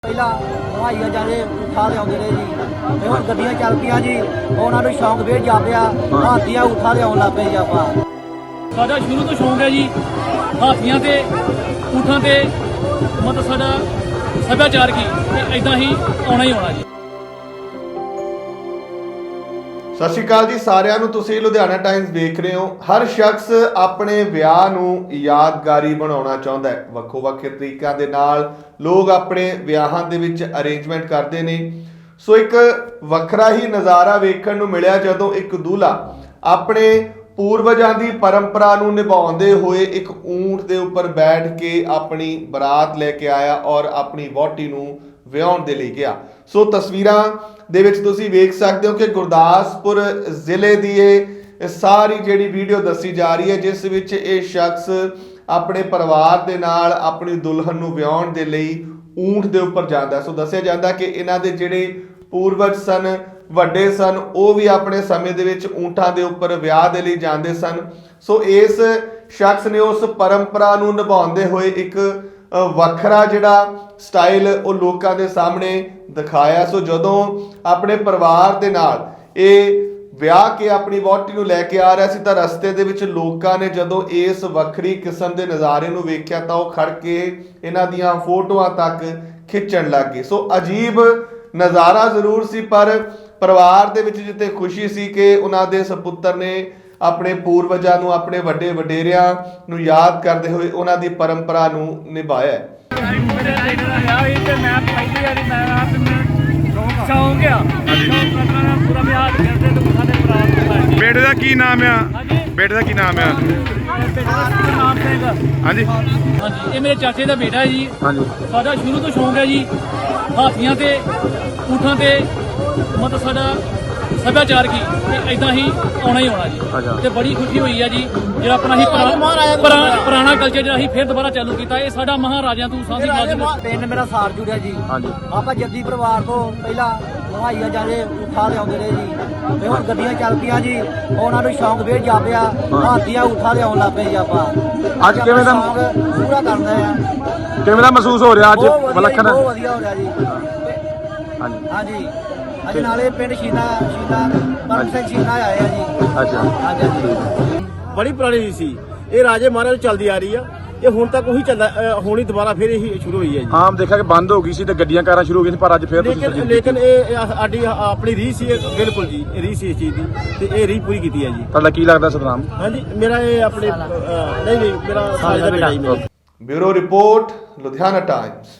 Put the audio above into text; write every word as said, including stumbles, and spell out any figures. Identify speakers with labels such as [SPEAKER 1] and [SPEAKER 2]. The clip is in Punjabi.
[SPEAKER 1] ਪਹਿਲਾਂ ਹਵਾਈਆਂ ਜਾਦੇ ਉਠਾ ਲਿਆਉਂਦੇ ਨੇ ਜੀ ਤੇ ਹੁਣ ਗੱਡੀਆਂ ਚੱਲ ਪਈਆਂ ਜੀ ਉਹਨਾਂ ਨੂੰ ਸ਼ੌਂਕ ਫੇਰ ਜਾਪਿਆ ਹਾਥੀਆਂ ਉਠਾ ਲਿਆਉਣ ਲੱਗ ਪਏ ਜੀ ਆਪਾਂ।
[SPEAKER 2] ਸਾਡਾ ਸ਼ੁਰੂ ਤੋਂ ਸ਼ੌਂਕ ਹੈ ਜੀ ਹਾਥੀਆਂ ਤੇ ਊਠਾਂ ਤੇ ਮਤਲਬ ਸਾਡਾ ਸੱਭਿਆਚਾਰ ਕੀ ਤੇ ਇਦਾਂ ਹੀ ਆਉਣਾ ਹੀ ਆਉਣਾ ਜੀ।
[SPEAKER 3] ਸਤਿ ਸ਼੍ਰੀ ਅਕਾਲ ਜੀ ਸਾਰਿਆਂ ਨੂੰ। ਤੁਸੀਂ ਲੁਧਿਆਣਾ ਟਾਈਮਸ ਦੇਖ ਰਹੇ ਹੋ। ਹਰ ਸ਼ਖਸ ਆਪਣੇ ਵਿਆਹ ਨੂੰ ਯਾਦਗਾਰੀ ਬਣਾਉਣਾ ਚਾਹੁੰਦਾ ਹੈ। ਵੱਖੋ ਵੱਖ ਤਰੀਕਿਆਂ ਦੇ ਨਾਲ ਲੋਕ ਆਪਣੇ ਵਿਆਹਾਂ ਦੇ ਵਿੱਚ ਅਰੇਂਜਮੈਂਟ ਕਰਦੇ ਨੇ। ਸੋ ਇੱਕ ਵੱਖਰਾ ਹੀ ਨਜ਼ਾਰਾ ਵੇਖਣ ਨੂੰ ਮਿਲਿਆ ਜਦੋਂ ਇੱਕ ਦੂल्हा ਆਪਣੇ ਪੂਰਵਜਾਂ ਦੀ ਪਰੰਪਰਾ ਨੂੰ ਨਿਭਾਉਂਦੇ ਹੋਏ ਇੱਕ ਊਂਠ ਦੇ ਉੱਪਰ ਬੈਠ ਕੇ ਆਪਣੀ ਬਰਾਤ ਲੈ ਕੇ ਆਇਆ ਔਰ ਆਪਣੀ ਵਹੁਟੀ ਨੂੰ ਵਿਆਹਣ ਦੇ ਲਈ ਗਿਆ। ਸੋ ਤਸਵੀਰਾਂ ਦੇ ਵਿੱਚ ਤੁਸੀਂ ਵੇਖ ਸਕਦੇ ਹੋ ਕਿ ਗੁਰਦਾਸਪੁਰ ਜ਼ਿਲ੍ਹੇ ਦੀ ਇਹ ਸਾਰੀ ਜਿਹੜੀ ਵੀਡੀਓ ਦੱਸੀ ਜਾ ਰਹੀ ਹੈ ਜਿਸ ਵਿੱਚ ਇਹ ਸ਼ਖਸ ਆਪਣੇ ਪਰਿਵਾਰ ਦੇ ਨਾਲ ਆਪਣੀ ਦੁਲਹਨ ਨੂੰ ਵਿਆਹਣ ਦੇ ਲਈ ਊਂਠ ਦੇ ਉੱਪਰ ਜਾਂਦਾ। ਸੋ ਦੱਸਿਆ ਜਾਂਦਾ ਕਿ ਇਹਨਾਂ ਦੇ ਜਿਹੜੇ ਪੂਰਵਜ ਸਨ, ਵੱਡੇ ਸਨ, ਉਹ ਵੀ ਆਪਣੇ ਸਮੇਂ ਦੇ ਵਿੱਚ ਊਂਠਾਂ ਦੇ ਉੱਪਰ ਵਿਆਹ ਦੇ ਲਈ ਜਾਂਦੇ ਸਨ। ਸੋ ਇਸ ਸ਼ਖਸ ਨੇ ਉਸ ਪਰੰਪਰਾ ਨੂੰ ਨਿਭਾਉਂਦੇ ਹੋਏ ਇੱਕ ਵੱਖਰਾ ਜਿਹੜਾ ਸਟਾਈਲ ਉਹ ਲੋਕਾਂ ਦੇ ਸਾਹਮਣੇ ਦਿਖਾਇਆ। ਸੋ ਜਦੋਂ ਆਪਣੇ ਪਰਿਵਾਰ ਦੇ ਨਾਲ ਇਹ ਵਿਆਹ ਕੇ ਆਪਣੀ ਵਹੁਟੀ ਨੂੰ ਲੈ ਕੇ ਆ ਰਿਹਾ ਸੀ ਤਾਂ ਰਸਤੇ ਦੇ ਵਿੱਚ ਲੋਕਾਂ ਨੇ ਜਦੋਂ ਇਸ ਵੱਖਰੀ ਕਿਸਮ ਦੇ ਨਜ਼ਾਰੇ ਨੂੰ ਵੇਖਿਆ ਤਾਂ ਉਹ ਖੜ ਕੇ ਇਹਨਾਂ ਦੀਆਂ ਫੋਟੋਆਂ ਤੱਕ ਖਿੱਚਣ ਲੱਗ ਗਏ। ਸੋ ਅਜੀਬ ਨਜ਼ਾਰਾ ਜ਼ਰੂਰ ਸੀ ਪਰ ਪਰਿਵਾਰ ਦੇ ਵਿੱਚ ਜਿੱਥੇ ਖੁਸ਼ੀ ਸੀ ਕਿ ਉਹਨਾਂ ਦੇ ਸਪੁੱਤਰ ਨੇ ਆਪਣੇ ਪੂਰਵਜਾਂ ਨੂੰ, ਆਪਣੇ ਵੱਡੇ ਵਡੇਰਿਆਂ ਨੂੰ ਯਾਦ ਕਰਦੇ ਹੋਏ ਉਹਨਾਂ ਦੀ ਪਰੰਪਰਾ ਨੂੰ ਨਿਭਾਇਆ।
[SPEAKER 4] ਬੇਟੇ ਦਾ ਕੀ ਨਾਮ ਆ? ਬੇਟੇ ਦਾ ਕੀ ਨਾਮ ਆ? ਹਾਂਜੀ
[SPEAKER 2] ਹਾਂਜੀ, ਇਹ ਮੇਰੇ ਚਾਚੇ ਦਾ ਬੇਟਾ ਹੈ ਜੀ।
[SPEAKER 4] ਹਾਂਜੀ।
[SPEAKER 2] ਸਾਡਾ ਸ਼ੁਰੂ ਤੋਂ ਸ਼ੌਂਕ ਹੈ ਜੀ ਹਾਥੀਆਂ ਤੇ ਊਠਾਂ ਤੇ ਮਤਲਬ ਸਾਡਾ ਸੱਭਿਆਚਾਰ ਕੀ ਤੇ ਇਦਾਂ ਹੀ ਆਉਣਾ ਹੀ ਆਉਣਾ ਜੀ। ਤੇ ਬੜੀ ਖੁਸ਼ੀ ਹੋਈ ਹੈ ਜੀ ਜਿਹੜਾ ਆਪਣਾ ਹੀ ਪੁਰਾਣਾ ਕਲਚਰ ਜਿਹੜਾ ਅਸੀਂ ਫਿਰ ਦੁਬਾਰਾ ਚਾਲੂ ਕੀਤਾ। ਇਹ ਸਾਡਾ ਮਹਾਰਾਜਿਆਂ ਤੋਂ ਸਾਂਝੀ
[SPEAKER 1] ਪਿੰਡ ਮੇਰਾ ਸਾਰ ਜੁੜਿਆ ਜੀ। ਆਪਾਂ ਜੱਦੀ ਪਰਿਵਾਰ ਤੋਂ ਪਹਿਲਾਂ ਹਵਾਈਆਂ ਜਾਦੇ ਉਠਾ ਲਿਆਉਂਦੇ ਨੇ ਜੀ ਤੇ ਹੁਣ ਗੱਡੀਆਂ ਚੱਲ ਪਈਆਂ ਜੀ ਉਹਨਾਂ ਨੂੰ ਸ਼ੌਂਕ ਫੇਰ ਜਾਪਿਆ ਹਾਥੀਆਂ ਉਠਾ ਲਿਆਉਣ ਲੱਗ ਪਏ ਜੀ ਆਪਾਂ।
[SPEAKER 4] ਅੱਜ ਕਿਵੇਂ ਦਾ
[SPEAKER 1] ਪੂਰਾ ਕਰਦਾ ਆ?
[SPEAKER 4] ਕਿਵੇਂ ਦਾ ਮਹਿਸੂਸ ਹੋ ਰਿਹਾ ਅੱਜ?
[SPEAKER 1] ਵਿਲੱਖਣ ਬਹੁਤ ਵਧੀਆ ਹੋ ਰਿਹਾ ਜੀ।
[SPEAKER 4] ਹਾਂਜੀ
[SPEAKER 1] ਹਾਂਜੀ ਅੱਜ ਨਾਲੇ ਪਿੰਡ ਸ਼ੀਨਾ ਸ਼ੀਨਾ ਪਰਮ ਸਿੰਘ ਸ਼ੀਨਾ ਆਏ ਆ ਜੀ।
[SPEAKER 4] ਅੱਛਾ।
[SPEAKER 1] ਹਾਂਜੀ।
[SPEAKER 5] ਬੜੀ ਪੁਰਾਣੀ ਰੀਤ ਸੀ ਇਹ ਰਾਜੇ ਮਹਾਰਾਜ ਚੱਲਦੀ ਆ ਰਹੀ ਆ। ਇਹ ਹੁਣ ਤੱਕ ਉਹੀ ਚੱਲਦਾ ਹੁਣ ਹੀ ਦੁਬਾਰਾ ਫਿਰ ਇਹੀ ਸ਼ੁਰੂ ਹੋਈ ਹੈ ਜੀ।
[SPEAKER 4] ਆਮ ਦੇਖਿਆ ਕਿ ਬੰਦ ਹੋ ਗਈ ਸੀ ਤੇ ਗੱਡੀਆਂ ਕਾਰਾਂ ਸ਼ੁਰੂ ਹੋ ਗਈਆਂ ਸੀ ਪਰ ਅੱਜ ਫਿਰ ਤੁਸੀਂ
[SPEAKER 5] ਲੇਕਿਨ ਲੇਕਿਨ ਇਹ ਸਾਡੀ ਆਪਣੀ ਰੀਤ ਸੀ ਬਿਲਕੁਲ ਜੀ। ਰੀਤ ਸੀ ਇਸ ਚੀਜ਼ ਦੀ ਤੇ ਇਹ ਰੀਤ ਪੂਰੀ ਕੀਤੀ ਹੈ ਜੀ।
[SPEAKER 4] ਤੁਹਾਡਾ ਕੀ ਲੱਗਦਾ ਸਤਨਾਮ?
[SPEAKER 5] ਹਾਂਜੀ ਮੇਰਾ ਇਹ ਆਪਣੇ ਨਹੀਂ ਨਹੀਂ ਮੇਰਾ ਸਾਜ ਦਾ ਬੇਟਾ ਹੀ ਮੇਰਾ।
[SPEAKER 3] Bureau report, Ludhiana Times.